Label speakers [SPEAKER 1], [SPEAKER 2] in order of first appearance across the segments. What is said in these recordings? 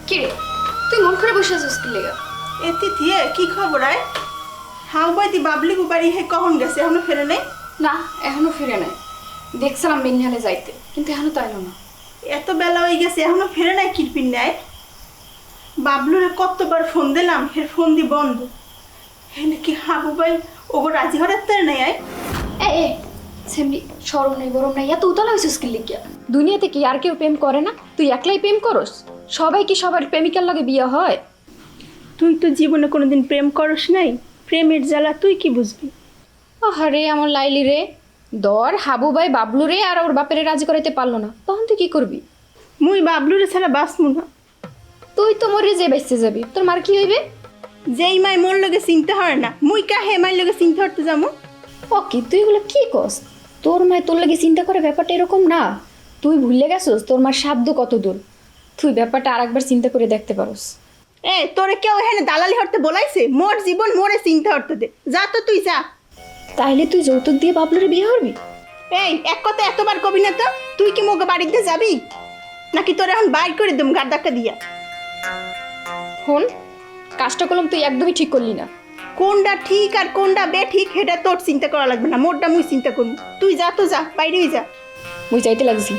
[SPEAKER 1] কে রে তুই মন করে বসে আছিস কি লেগা?
[SPEAKER 2] এতি থিয়ে কি খবর আয়? হাউ বাইতি বাবলি বাড়ি হে কখন গেছে এখনো ফেরে নেই?
[SPEAKER 1] না এখনো ফিরে নাই, দেখছিলাম বিনিহালে যাইতে কিন্তু এখনো তো এলো না।
[SPEAKER 2] এত বেলা হয়ে গেছে এখনো ফেরে নাই কিরপিন নেয়? বাবলুরে কতবার ফোন দিলাম হের ফোন দি বন্ধ। হে নাকি হাবু ভাই ওগো রাজি হঠাৎ তার নেই আয়?
[SPEAKER 1] এ সেমনি সরম নাই গরম নাই এত উতলা হয়েছিস কি লিগা? দুনিয়াতে কি আর কেউ প্রেম করে না? তুই একলাই প্রেম করস? সবাই কি সবার প্রেমিকার লগে বিয়ে হয়?
[SPEAKER 2] তুই তো জীবনে কোনোদিন প্রেম করস নাই, প্রেমের জ্বালা তুই কি বুঝবি?
[SPEAKER 1] আরে আমার লাইলি রে, দর হাবু ভাই বাবলু রে আর ওর বাপেরে রাজি করাইতে পারলো না, তখন তুই কি করবি?
[SPEAKER 2] মুই বাবলুরে ছাড়া বাঁচমু না।
[SPEAKER 1] তুই তো মরে যে বেঁচতে যাবি, তোর মার কি হইবে?
[SPEAKER 2] যেই মাই মোর লগে চিনতে হয় না মুই কাহে মাই লগে চিনতে হতে যাবো?
[SPEAKER 1] ও কি তুই এগুলো কি কস? তোর মায় তোর লাগে চিন্তা করে ব্যাপারটা এরকম না। তুই ভুলে গেছস তোর মার সাধ্য কত দূর। তুই ব্যাপারটা আরেকবার চিন্তা করে দেখতে পারোস।
[SPEAKER 2] এ তোরে কেউ এখানে দালালি হতে বলাইছে? মোর জীবন মোরে চিন্তা হতে দে, যা তো তুই যা।
[SPEAKER 1] তাইলে তুই যৌতুক দিয়ে বাবলুরে বিয়ে করবি?
[SPEAKER 2] এই এক কথা এতবার কবি না তো। তুই কি মোকে বাড়িতে যাবি নাকি তোর এখন বাইর করে দেব গার ধাক্কা দিয়া?
[SPEAKER 1] হন, কাজটা করলাম তুই একদমই ঠিক করলি না।
[SPEAKER 2] কোনটা ঠিক আর কোনটা বে ঠিক সেটা তোর চিন্তা করা লাগবে না, মোরটা মুই চিন্তা করবো। তুই যা তো যা, বাইরেই যা।
[SPEAKER 1] মুই যাইতে লাগছি।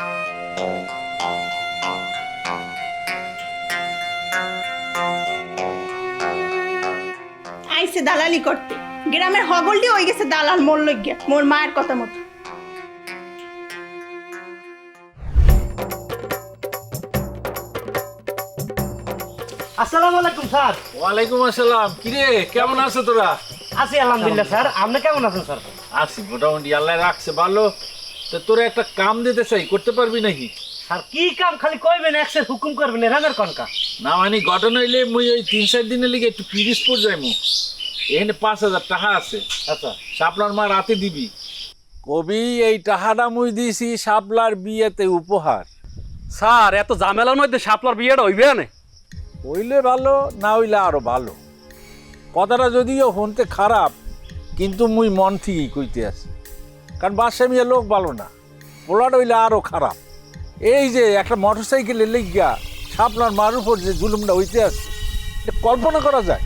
[SPEAKER 2] আইসে দালালি করতে, গ্রামের হগল দিয়ে হয়ে গেছে দালাল মোর লইগিয়া মোর মায়ের কথা মতো।
[SPEAKER 3] আসসালামু আলাইকুম স্যার।
[SPEAKER 4] ওয়ালাইকুম আসসালাম। কিরে কেমন আছো তোরা?
[SPEAKER 3] আছি আলহামদুলিল্লাহ স্যার, আপনি কেমন আছেন স্যার?
[SPEAKER 4] আছি মোটামুটি, আল্লাহ রাখছে ভালো। তো তোরা একটা কাম দিতে চাই, করতে পারবি নাকি?
[SPEAKER 3] স্যার কি কাম খালি কইবেন, একসের হুকুম করবেন, রামের কনকা।
[SPEAKER 4] না মানে ঘটনা হইলে মুই ওই 3-4 দিনের লিগে একটু পিরিজপুর যাইমু। এখানে 5,000 টাকা আছে।
[SPEAKER 3] আচ্ছা
[SPEAKER 4] শাপলার মা রাতে দিবি। কবি এই টাকাটা মুই দিছি শাপলার বিয়েতে উপহার।
[SPEAKER 5] স্যার এত ঝামেলার মধ্যে শাপলার বিয়েটা হইবে না?
[SPEAKER 4] হইলে ভালো, না হইলে আরো ভালো। কথাটা যদিও শুনতে খারাপ, কিন্তু মুই মন থেকেই কইতে আছি। কারণ বাসা মিয়া লোক ভালো না, পোলাটা হইলে আরো খারাপ। এই যে একটা মোটর সাইকেলে লেগিয়া শাপলার মার উপর যে জুলুমটা হইতে আছে, এটা কল্পনা করা যায়?